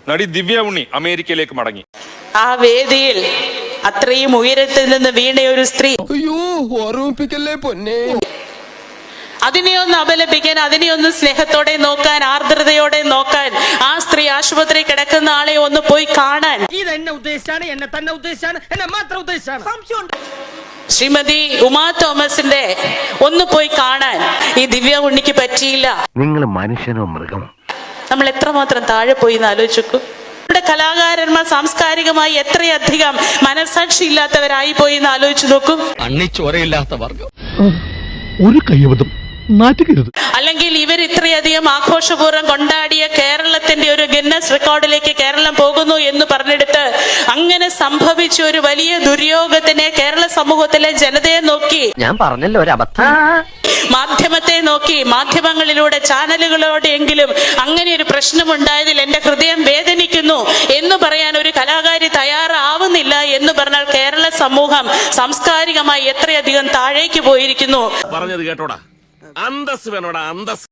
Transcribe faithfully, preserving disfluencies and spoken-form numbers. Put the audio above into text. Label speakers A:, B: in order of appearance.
A: നടി ദിവ്യ ഉണ്ണി അമേരിക്കയിലേക്ക് മടങ്ങി.
B: ആ വേദിയിൽ അത്രയും ഉയരത്തിൽ നിന്ന് വീണ ഒരു സ്ത്രീ,
C: അയ്യോ ഓർമ്മിപ്പിക്കല്ലേ പൊന്നെ,
B: അതിനെയൊന്ന് അപലപിക്കാൻ, അതിനെയൊന്ന് സ്നേഹത്തോടെ നോക്കാൻ, ആർദ്രതയോടെ നോക്കാൻ, ആ സ്ത്രീ ആശുപത്രി കിടക്കുന്ന ആളെ ഒന്ന് പോയി കാണാൻ
D: എന്നെ ഉദ്ദേശിച്ചാണ്, എന്നെ തന്നെ ഉദ്ദേശിച്ചാണ്, എന്നെ മാത്രം ഉദ്ദേശിച്ചാണ്.
B: ശ്രീമതി ഉമാ തോമസിന്റെ ഒന്ന് പോയി കാണാൻ ഈ ദിവ്യ ഉണ്ണിക്ക് പറ്റിയില്ല.
E: നിങ്ങൾ മനുഷ്യനോ മൃഗം?
B: നമ്മൾ എത്രമാത്രം താഴെ പോയി എന്ന് ആലോചിക്കൂ. നമ്മുടെ കലാകാരന്മാർ സാംസ്കാരികമായി എത്രയധികം മനസാക്ഷി ഇല്ലാത്തവരായി പോയി എന്ന് ആലോചിച്ചു നോക്കൂ.
C: അണ്ണിച്ചോരയില്ലാത്ത വർഗം.
F: ഒരു കൈവതം നാറ്റുകരുത്.
B: അല്ലെങ്കിൽ ഇവർ ഇത്രയധികം ആഘോഷപൂർവ്വം കൊണ്ടാടിയ കേരളത്തിന്റെ ഒരു ഗിന്നസ് റെക്കോർഡിലേക്ക് കേരളം പോകുന്നു എന്ന് പറഞ്ഞെടുത്ത് അങ്ങനെ സംഭവിച്ച ഒരു വലിയ ദുര്യോഗത്തിനെ കേരള സമൂഹത്തിലെ ജനതയെ നോക്കി,
E: ഞാൻ പറഞ്ഞല്ലോ ഒരു അബദ്ധം,
B: മാധ്യമത്തെ നോക്കി, മാധ്യമങ്ങളിലൂടെ ചാനലുകളോടെയെങ്കിലും അങ്ങനെ ഒരു പ്രശ്നമുണ്ടായതിൽ എന്റെ ഹൃദയം വേദനിക്കുന്നു എന്ന് പറയാൻ ഒരു കലാകാരി തയ്യാറാവുന്നില്ല എന്ന് പറഞ്ഞാൽ കേരള സമൂഹം സാംസ്കാരികമായി എത്രയധികം താഴേക്ക് പോയിരിക്കുന്നു.
G: പറഞ്ഞത് കേട്ടോടാ, അന്തസ് വേണോടാ, അന്തസ്.